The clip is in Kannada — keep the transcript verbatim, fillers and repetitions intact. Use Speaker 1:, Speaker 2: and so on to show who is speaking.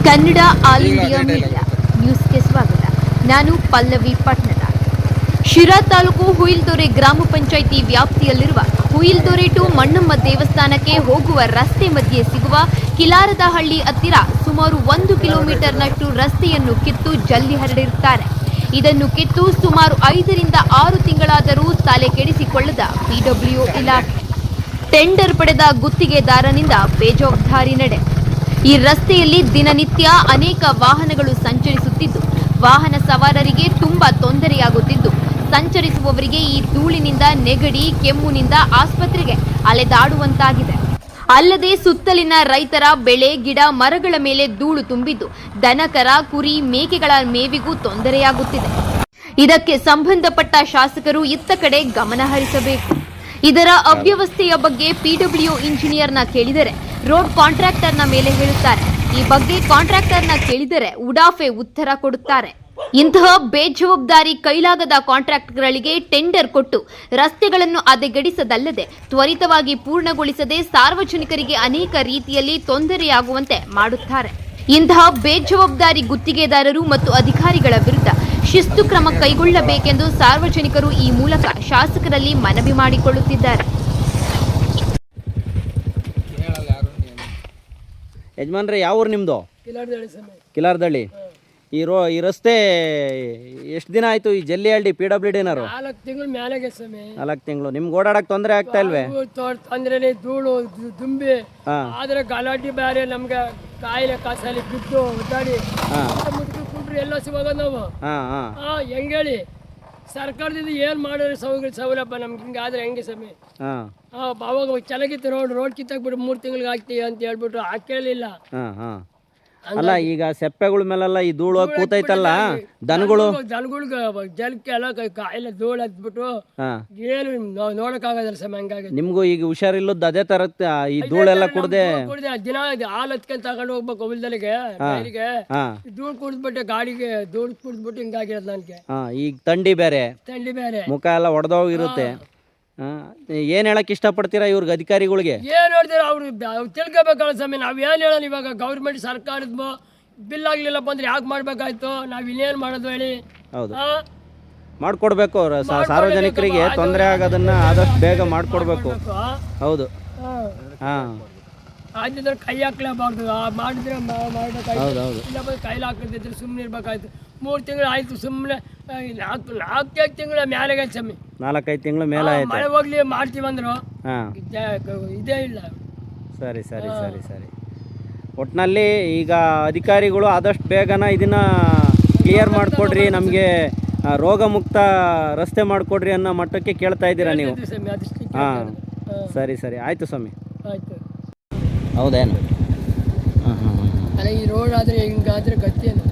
Speaker 1: ಕನ್ನಡ ಆಲ್ ಇಂಡಿಯಾ ಮೀಡಿಯಾ ನ್ಯೂಸ್ಗೆ ಸ್ವಾಗತ. ನಾನು ಪಲ್ಲವಿ ಪಟ್ನದ. ಶಿರಾ ತಾಲೂಕು ಹುಯಿಲ್ದೊರೆ ಗ್ರಾಮ ಪಂಚಾಯಿತಿ ವ್ಯಾಪ್ತಿಯಲ್ಲಿರುವ ಹುಯಿಲ್ದೊರೆ ಟು ಮಣ್ಣಮ್ಮ ದೇವಸ್ಥಾನಕ್ಕೆ ಹೋಗುವ ರಸ್ತೆ ಮಧ್ಯೆ ಸಿಗುವ ಕಿಲಾರದಹಳ್ಳಿ ಹತ್ತಿರ ಸುಮಾರು ಒಂದು ಕಿಲೋಮೀಟರ್ನಷ್ಟು ರಸ್ತೆಯನ್ನು ಕಿತ್ತು ಜಲ್ಲಿ ಹರಡಿರುತ್ತಾರೆ. ಇದನ್ನು ಕಿತ್ತು ಸುಮಾರು ಐದರಿಂದ ಆರು ತಿಂಗಳಾದರೂ ತಲೆ ಕೆಡಿಸಿಕೊಳ್ಳದ ಪಿಡಬ್ಲ್ಯೂ ಇಲಾಖೆ ಟೆಂಡರ್ ಪಡೆದ ಗುತ್ತಿಗೆದಾರನಿಂದ ಬೇಜವಾಬ್ದಾರಿ ನಡೆ. ಈ ರಸ್ತೆಯಲ್ಲಿ ದಿನನಿತ್ಯ ಅನೇಕ ವಾಹನಗಳು ಸಂಚರಿಸುತ್ತಿದ್ದು ವಾಹನ ಸವಾರರಿಗೆ ತುಂಬಾ ತೊಂದರೆಯಾಗುತ್ತಿದ್ದು ಸಂಚರಿಸುವವರಿಗೆ ಈ ಧೂಳಿನಿಂದ ನೆಗಡಿ ಕೆಮ್ಮುನಿಂದ ಆಸ್ಪತ್ರೆಗೆ ಅಲೆದಾಡುವಂತಾಗಿದೆ. ಅಲ್ಲದೆ ಸುತ್ತಲಿನ ರೈತರ ಬೆಳೆ ಗಿಡ ಮರಗಳ ಮೇಲೆ ಧೂಳು ತುಂಬಿದ್ದು ದನಕರ ಕುರಿ ಮೇಕೆಗಳ ಮೇವಿಗೂ ತೊಂದರೆಯಾಗುತ್ತಿದೆ. ಇದಕ್ಕೆ ಸಂಬಂಧಪಟ್ಟ ಶಾಸಕರು ಇತ್ತ ಕಡೆ ಗಮನ ಹರಿಸಬೇಕು. ಇದರ ಅವ್ಯವಸ್ಥೆಯ ಬಗ್ಗೆ ಪಿಡಬ್ಲ್ಯೂ ಇಂಜಿನಿಯರ್ನ ಕೇಳಿದರೆ ರೋಡ್ ಕಾಂಟ್ರಾಕ್ಟರ್ನ ಮೇಲೆ ಹೇಳುತ್ತಾರೆ. ಈ ಬಗ್ಗೆ ಕಾಂಟ್ರಾಕ್ಟರ್ನ ಕೇಳಿದರೆ ಉಡಾಫೆ ಉತ್ತರ ಕೊಡುತ್ತಾರೆ. ಇಂತಹ ಬೇಜವಾಬ್ದಾರಿ ಕೈಲಾಗದ ಕಾಂಟ್ರಾಕ್ಟರ್ಗಳಿಗೆ ಟೆಂಡರ್ ಕೊಟ್ಟು ರಸ್ತೆಗಳನ್ನು ಹದಗೆಡಿಸದಲ್ಲದೆ ತ್ವರಿತವಾಗಿ ಪೂರ್ಣಗೊಳಿಸದೆ ಸಾರ್ವಜನಿಕರಿಗೆ ಅನೇಕ ರೀತಿಯಲ್ಲಿ ತೊಂದರೆಯಾಗುವಂತೆ ಮಾಡುತ್ತಾರೆ. ಇಂತಹ ಬೇಜವಾಬ್ದಾರಿ ಗುತ್ತಿಗೆದಾರರು ಮತ್ತು ಅಧಿಕಾರಿಗಳ ವಿರುದ್ಧ ಶಿಸ್ತು ಕ್ರಮ ಕೈಗೊಳ್ಳಬೇಕೆಂದು ಸಾರ್ವಜನಿಕರು ಈ ಮೂಲಕ ಶಾಸಕರಲ್ಲಿ ಮನವಿ ಮಾಡಿಕೊಳ್ಳುತ್ತಿದ್ದಾರೆ.
Speaker 2: ಯಜಮಾನ್ರೆ, ಯಾವ ಊರು ನಿಮ್ಮದು? ಕಿಲಾರದಳ್ಳಿ. ಈ ರೋ ಈ ರಸ್ತೆ ಎಷ್ಟು ದಿನ ಆಯ್ತು ಈ ಜಲ್ಲಿ ಹಳ್ಳಿ ಪಿ ಡಬ್ಲ್ಯೂ ಡಿನವರು?
Speaker 3: ನಾಲ್ಕು ತಿಂಗಳು ಮ್ಯಾಲೆಗೆ ಸಮಯ.
Speaker 2: ನಾಲ್ಕು ತಿಂಗಳು. ನಿಮ್ಗೆ ಓಡಾಡಕ್ ತೊಂದರೆ ಆಗ್ತಾ ಇಲ್ವೇ?
Speaker 3: ತೊಂದ್ರೆ ಧೂಳು ದುಂಬಿ ಆದ್ರೆ ಗಲಾಟೆ ಬೇರೆ, ನಮ್ಗೆ ಕಾಯಿಲೆ ಕಾಸಲ್ಲಿ ಬಿದ್ದು ಒದ್ದಾಡಿ ಕುಂಡ್ರಿ ಎಲ್ಲ ಸಿಗೋದ ನಾವು. ಹೆಂಗ ಹೇಳಿ ಸರ್ಕಾರದಿಂದ ಏನ್ ಮಾಡೋದು ಸೌಲಭ್ಯ ಸೌಲಭ್ಯ ನಮ್ಗೆ ಹಿಂಗಾದ್ರೆ ಹೆಂಗೆ ಸಮಯ? ಅವಾಗ ಚೆನ್ನಾಗಿತ್ತು ರೋಡ್ ರೋಡ್ ಕಿತ್ತಾಕ್ಬಿಟ್ಟು ಮೂರು ತಿಂಗಳಿಗೆ ಹಾಕ್ತೀವಿ ಅಂತ ಹೇಳ್ಬಿಟ್ಟು ಹಾಕೇಳಿಲ್ಲ.
Speaker 2: ಅಲ್ಲ, ಈಗ ಸೆಪ್ಪೆಗಳ ಮೇಲೆಲ್ಲ ಈ ಧೂಳು ಕೂತೈತಲ್ಲ, ದನಗಳು
Speaker 3: ದನಗಳಿಗೆ ಜಲಕ್ಕೆ ಎಲ್ಲ ಕಾಯಿಲೆ ಧೂಳು ಹತ್ಬಿಟ್ಟು ಏನು ನೋಡಕ್ ಆಗೋದಿಲ್ಲ ಸಮಯ. ಹಂಗಾಗಿ
Speaker 2: ನಿಮ್ಗೂ ಈಗ ಹುಷಾರಿಲ್ಲದ ಅದೇ ತರ ಈ ಧೂಳೆಲ್ಲ ಕುಡ್ದೆ
Speaker 3: ಕುಡ್ದೆ ದಿನ ಹಾಲು ಹತ್ಕೊಂಡ್ ತಗೊಂಡು ಹೋಗ್ಬೇಕು ಹೊಲದಲ್ಲಿಗೆ ಡೈರಿಗೆ. ಧೂಳು ಕುಡಿದ್ಬಿಟ್ಟೆ ಗಾಡಿಗೆ ಧೂಳು ಕುಡಿದ್ಬಿಟ್ಟು ಹಿಂಗಾಗಿರೋದು ನನ್ಗೆ.
Speaker 2: ಈಗ ಥಂಡಿ ಬೇರೆ,
Speaker 3: ಥಂಡಿ ಬೇರೆ,
Speaker 2: ಮುಖ ಎಲ್ಲ ಒಡೆದೋಗಿರುತ್ತೆ. ಏನ್ ಹೇಳಕ್ ಇಷ್ಟಪಡ್ತೀರಾ ಇವ್ರಿಗೆ, ಅಧಿಕಾರಿಗಳಿಗೆ?
Speaker 3: ಏನ್ ಹೇಳ್ತೀರ ಅವ್ರು ತಿಳ್ಕೊಬೇಕಲ್ಲ ಸಮಯ. ನಾವ್ ಏನ್ ಹೇಳೋಣ ಇವಾಗ? ಗೌರ್ಮೆಂಟ್ ಸರ್ಕಾರದ ಬಿಲ್ ಆಗ್ಲಿಲ್ಲಪ್ಪ ಅಂದ್ರೆ ಯಾಕೆ ಮಾಡ್ಬೇಕಾಯ್ತು? ನಾವ್ ಇನ್ನೇನ್ ಮಾಡೋದು ಹೇಳಿ?
Speaker 2: ಹೌದು, ಮಾಡ್ಕೊಡ್ಬೇಕು. ಸಾರ್ವಜನಿಕರಿಗೆ ತೊಂದರೆ ಆಗೋದನ್ನ ಆದಷ್ಟು ಬೇಗ ಮಾಡ್ಕೊಡ್ಬೇಕು. ಹೌದು. ಹಾ,
Speaker 3: ಆದ್ರೆ ಕೈ ಹಾಕ್ಲೇಬಾರ್ದು. ಮಾಡಿದ್ರೆ ಮಾಡ್ಬೇಕಾಯ್ತು, ಇಲ್ಲಪ್ಪ ಕೈಲಿ ಹಾಕಿದ್ರೆ ಸುಮ್ಮನೆ ಇರ್ಬೇಕಾಯ್ತು. ಮೂರು ತಿಂಗಳು ಆಯ್ತು ಸುಮ್ಮನೆ. ನಾಲ್ಕು ನಾಲ್ಕೈದು ತಿಂಗಳ ಮೇಲೆ ಸಮಯ.
Speaker 2: ನಾಲ್ಕೈದು ತಿಂಗಳ ಮೇಲೆ ಆಯ್ತು.
Speaker 3: ಮಳೆ ಹೋಗ್ಲಿ ಮಾಡ್ತೀವಂದ್ರು ಇದೇ ಇಲ್ಲ.
Speaker 2: ಸರಿ ಸರಿ ಸರಿ ಸರಿ ಒಟ್ಟಿನಲ್ಲಿ ಈಗ ಅಧಿಕಾರಿಗಳು ಆದಷ್ಟು ಬೇಗನ ಇದನ್ನ ಕ್ಲಿಯರ್ ಮಾಡಿಕೊಡ್ರಿ, ನಮಗೆ ರೋಗ ಮುಕ್ತ ರಸ್ತೆ ಮಾಡಿಕೊಡ್ರಿ ಅನ್ನೋ ಮಟ್ಟಕ್ಕೆ ಕೇಳ್ತಾ ಇದ್ದೀರಾ ನೀವು? ಹಾಂ, ಸರಿ ಸರಿ ಆಯಿತು ಸ್ವಾಮಿ.
Speaker 3: ಆಯ್ತು.
Speaker 2: ಹೌದೇನು? ಹಾಂ ಹಾಂ
Speaker 3: ಅಲ್ಲ, ಈ ರೋಡ್ ಆದರೆ ಹಿಂಗಾದ್ರೆ ಗತಿಯೇನು?